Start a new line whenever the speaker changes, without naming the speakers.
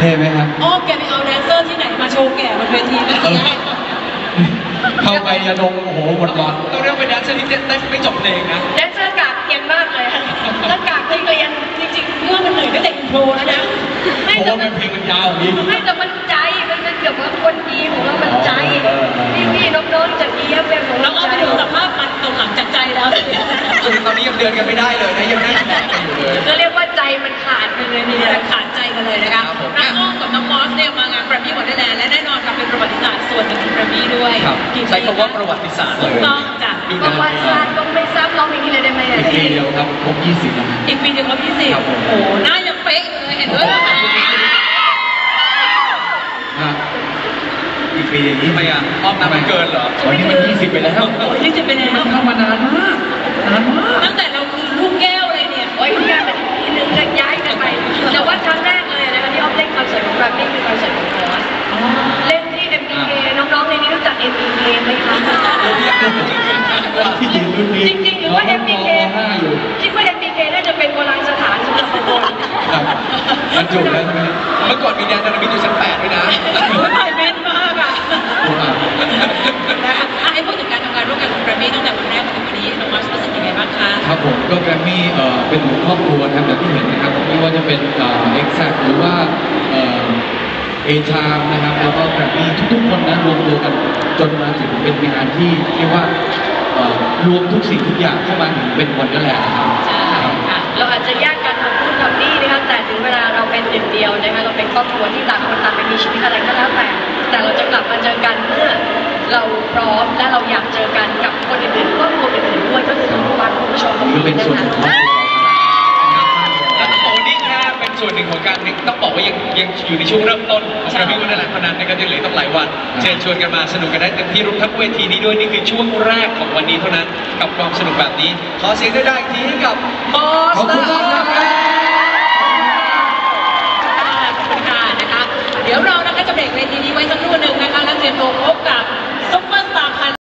ท่ไหมครับ
อ๋อแกไปเอาแดนเซอร์ที่ไหนมาโชว์แก่บนเวทีนะ
เข้าไปยาดมโอ้โหหมดหลอด
ต้องเรียกเป็นแดนเซอร์ที่ได้ไม่จบเพลงนะ
แดนเซอร์กากเกียนมากเลยถ้ากากที่เรียนจริงๆเรื่องมันเหนื่อยตั้งแต่อินโทรแล้วนะ
เพราะว่าเพลงมันยาวนี้
ไม่แต่มันใจมันเป็นเกี่ยวกับคนดีของเรามันใจพี่น้องๆจากดีเอฟเอ็มของเราเอาไปดูสภาพมันตรงหลังจากใจแล้ว
ตอนนี้ยังเดินกันไม่ได้เลยนะยังนั่งแบบกันอยู่เลย
ก็เรียกว่าใจมันขาดไปเลยนี่ขาดใจกันเลยนะคะน้องอ้อมกับน้องมอสเนี่ยมางานแกรมมี่วอนเดอร์แลนด์และแน่นอนค่ะเป็นประวัติศาสตร์ส่วนหนึ่งของแกรมมี่ด้วย
ใช้คำว่าประวัติศาสตร์เลย
ต้องจ้ะประวัติศาสตร์ต้องไม่ซ้ำร้องเพลงนี้เลยได้ไหม
อีกปีเดียวครับครบ20แล้ว
อีกปีเดียวครบ20โอ้โหหน้ายังเป๊ะเลยเห็นด้วยนะคะ
อีกปีอย่างนี้
ทำไมอ่ะอ้อมน้ำมันเกินเหรอ
วันนี้มัน20ไปแล้ว
20ไปแล้ว
เข้ามานานมาก
ตั้งแต่เราคือลูกแก้วเลยเนี่ยโอ้ยที่ย้ายไปทีนึงจะย้ายกันไปแต่ว่าครั้งแรกเลยนะคะที่อ้อมเล่นคอนเสิร์ตของแกรมมี่คือคอนเสิร์ตของมอสเล่นที่ MBK น้องๆในนี้รู้จัก MBK ไหมคะจริงๆหรือว่า MBK คิดว่า MBK น่าจะเป็นโบราณสถานสำหรับคน
มันจุแล้วใช่ไหม
เมื่อก่อนมีแดนนามิอยู่ชั้น8ด้วยนะ
ถ่ายแม่นมากอ่ะให้พูดถึงการทำงานร่วมกันของแกรมมี่ตั้งแต่วันแรกถึงวันนี้น้องมอสรู้สึกยังไงบ้างคะ
ครับผมก็แกรมมี่เป็นหมู่ครอบครัวนะครับอย่างที่เห็นนะครับไม่ว่าจะเป็นเอ็กซ์หรือว่าเอชามนะครับแล้วก็แกรมมี่ทุกๆคนนะรวมตัวกันจนมาถึงเป็นงานที่เรียกว่ารวมทุกสิ่งทุกอย่างเข้ามาถึงเป็นวันนั่นแหละครับ
ใช่ค่ะเราอาจจะแยกกันทำนู่นทำนี่นะคะแต่ถึงเวลาเราเป็นหนึ่งเดียวนะคะเราเป็นครอบครัวที่ต่างคนต่างไปมีชีวิตอะไรก็แล้วแต่เราจะกลับมาเจอกันเมื่อเราพร้อมและเราอยากเจอกันกับคนอื่นๆครอบครัวอื่นๆด้วยก็คือทุกวันคุณผู้ชม
คือเป็นส่วนหนึ่งของ
แล้วต้องบอกว่านี่แค่เป็นส่วนหนึ่งของการต้องบอกว่ายังอยู่ในช่วงเริ่มต้นของแกรมมี่วอนเดอร์แลนด์เท่านั้นนะครับยังเหลือต้องหลายวันเชิญชวนกันมาสนุกกันได้เต็มที่รวมทั้งเวทีนี้ด้วยนี่คือช่วงแรกของวันนี้เท่านั้นกับความสนุกแบบนี้ขอเสียงด้วยได้อีกทีให้กับมอส
ขอบคุณมากครับ